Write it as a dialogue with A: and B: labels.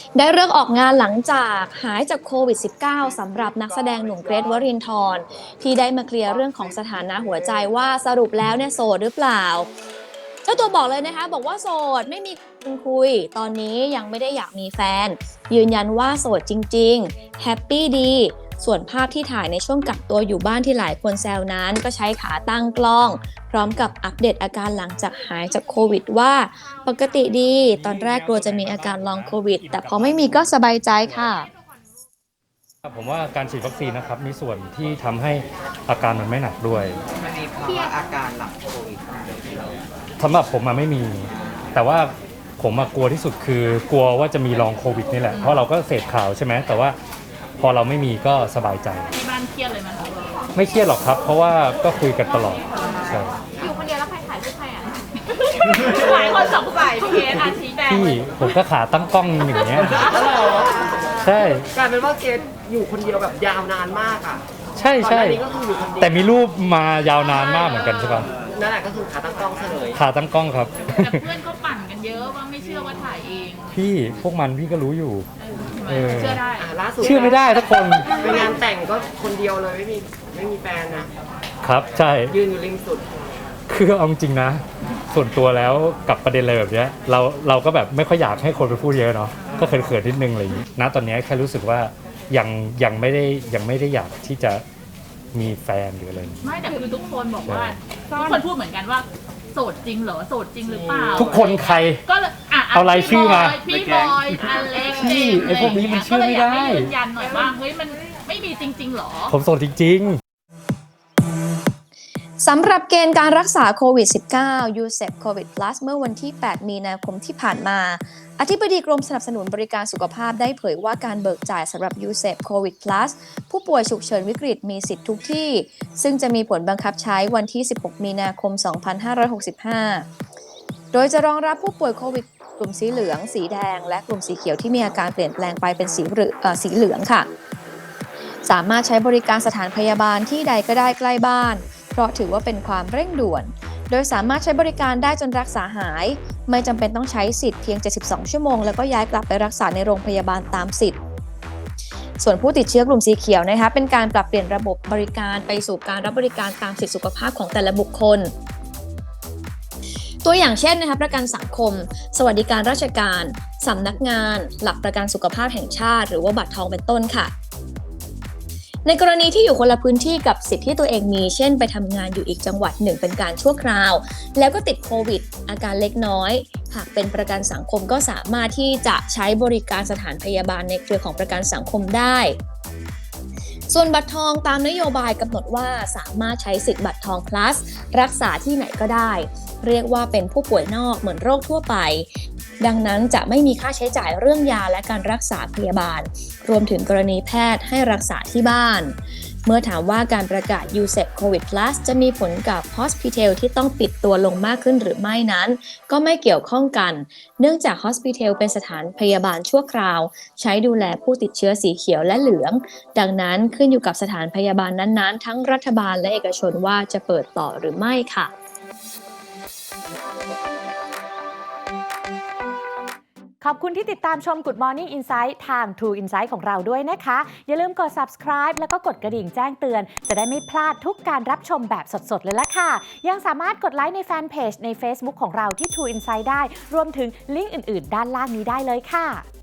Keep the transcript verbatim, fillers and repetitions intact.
A: ได้เลิกออกงานหลังจากหายจากโควิด สิบเก้า สำหรับนักแสดงหนุ่มเกรทวรินทร์ที่ได้มาเคลียร์เรื่องของสถานะหัวใจว่าสรุปแล้วเนี่ยโสดหรือเปล่าเจ้าตัวบอกเลยนะคะบอกว่าโสดไม่มีคนคุยตอนนี้ยังไม่ได้อยากมีแฟนยืนยันว่าโสดจริงๆแฮปปี้ดีส่วนภาพที่ถ่ายในช่วงกักตัวอยู่บ้านที่หลายคนแซวนั้นก็ใช้ขาตั้งกล้องพร้อมกับอัปเดตอาการหลังจากหายจากโควิดว่าปกติดีตอนแรกกลัวจะมีอาการลองโควิดแต่พอไม่มีก็สบายใจค่ะ
B: ผมว่าการฉีดวัคซีนนะครับมีส่วนที่ทำให้อาการมันไม่หนักด้วย
C: มันมีภาวะอาการหลังโควิด
B: สำหรับผมมาไม่มีแต่ว่าผมมากลัวที่สุดคือกลัวว่าจะมีลองโควิดนี่แหละเพราะเราก็เสพข่าวใช่ไหมแต่ว่าพอเราไม่มีก็สบายใจ
D: ที่บ้านเครียดเลยไหมคะ
B: ไม่เครียดหรอกครับเพราะว่าก็คุยกันตลอดใช่
D: อยู่คนเดียวแล้วใครถ่ายรูปใครอ่ะหลายคนสงสัยพี่เกศอาชีแดง
B: พี่ผมก็ขาตั้งกล้องอย่างเงี้ยใช่
C: กลายเป็นว่าเกดอยู่คนเดียวแบบยาวนานมากอ่ะ
B: ใช่ใช่
C: ก็คืออยู่คนเดียว
B: แต่มีรูปมายาวนานมากเหมือนกันใช่ป่ะ
C: นั่นแหละก็คือขาตั้งกล้องเฉลย
B: ขาตั้งกล้องครับ
D: แต่เพื่อนก็ปั่นกันเยอะว่าไม่เชื่อว่าถ่ายเอง
B: พี่พวกมันพี่ก็รู้อยู่
D: เชื่อได้
C: ล่าสุด
B: เชื่อไม่ได้ทุกคน
C: ไปงานแต่งก็คนเดียวเลยไม่มีไม่มีแฟนนะครับ
B: ใช่
C: ยืนอยู่ริมสุด
B: คือเอาจริงนะส่วนตัวแล้วกับประเด็นอะไรแบบนี้เราเราก็แบบไม่ค่อยอยากให้คนไปพูดเยอะเนาะก็เขินๆนิดนึงอะไรอย่างนี้นะตอนนี้แค่รู้สึกว่ายังยังไม่ได้ยังไม่ได้อยากที่จะมีแฟนหรืออะไร
D: ไม่แต่คือทุกคนบอกว่าทุกคนพูดเหมือนกันว่าโสดจริงเหรอโสดจริงหรือเปล่า
B: ทุกคนใคร
D: ก็อ่ะ
B: เอารายชื่อมา
D: พี่บอยอเล็ก
B: พี่ไอพวกนี้มันเชื่อไม่ได้
D: ยืนยันหน่อยว่าเฮ้ยมันไม่มีจริงๆหรอ
B: ผมโสดจริงๆ
A: สำหรับเกณฑ์การรักษาโควิด สิบเก้า ยู เซป โควิด Plus เมื่อวันที่ แปด มีนาคมที่ผ่านมาอธิบดีกรมสนับสนุนบริการสุขภาพได้เผยว่าการเบิกจ่ายสำหรับ ยู เซป โควิด Plus ผู้ป่วยฉุกเฉินวิกฤตมีสิทธิ์ทุกที่ซึ่งจะมีผลบังคับใช้วันที่ สิบหก มีนาคม สองพันห้าร้อยหกสิบห้า โดยจะรองรับผู้ป่วยโควิดกลุ่มสีเหลืองสีแดงและกลุ่มสีเขียวที่มีอาการเปลี่ยนแปลงไปเป็นสีเหลืองสีเหลืองค่ะสามารถใช้บริการสถานพยาบาลที่ใดก็ได้ใกล้บ้านเพราะถือว่าเป็นความเร่งด่วนโดยสามารถใช้บริการได้จนรักษาหายไม่จำเป็นต้องใช้สิทธิ์เพียงเจ็ดสิบสองชั่วโมงแล้วก็ย้ายกลับไปรักษาในโรงพยาบาลตามสิทธิ์ส่วนผู้ติดเชื้อกลุ่มสีเขียวนะคะเป็นการปรับเปลี่ยนระบบบริการไปสู่การรับบริการตามสิทธิสุขภาพของแต่ละบุคคลตัวอย่างเช่นนะคะประกันสังคมสวัสดิการราชการสำนักงานหลักประกันสุขภาพแห่งชาติหรือว่าบัตรทองเป็นต้นค่ะในกรณีที่อยู่คนละพื้นที่กับสิทธิ์ที่ตัวเองมีเช่นไปทำงานอยู่อีกจังหวัดหนึ่งเป็นการชั่วคราวแล้วก็ติดโควิดอาการเล็กน้อยหากเป็นประกันสังคมก็สามารถที่จะใช้บริการสถานพยาบาลในเครือของประกันสังคมได้ส่วนบัตรทองตามนโยบายกำหนดว่าสามารถใช้สิทธิ์บัตรทอง plus รักษาที่ไหนก็ได้เรียกว่าเป็นผู้ป่วยนอกเหมือนโรคทั่วไปดังนั้นจะไม่มีค่าใช้จ่ายเรื่องยาและการรักษาพยาบาลรวมถึงกรณีแพทย์ให้รักษาที่บ้านเมื่อถามว่าการประกาศ ยู เซป โควิด Plus จะมีผลกับ Hospital ที่ต้องปิดตัวลงมากขึ้นหรือไม่นั้นก็ไม่เกี่ยวข้องกันเนื่องจาก Hospital เป็นสถานพยาบาลชั่วคราวใช้ดูแลผู้ติดเชื้อสีเขียวและเหลืองดังนั้นขึ้นอยู่กับสถานพยาบาลนั้นๆทั้งรัฐบาลและเอกชนว่าจะเปิดต่อหรือไม่ค่ะ
E: ขอบคุณที่ติดตามชม Good Morning Insight ทาง True Insight ของเราด้วยนะคะอย่าลืมกด Subscribe แล้วก็กดกระดิ่งแจ้งเตือนจะได้ไม่พลาดทุกการรับชมแบบสดๆเลยล่ะค่ะยังสามารถกดไลค์ในแฟนเพจใน Facebook ของเราที่ True Insight ได้รวมถึงลิงก์อื่นๆด้านล่างนี้ได้เลยค่ะ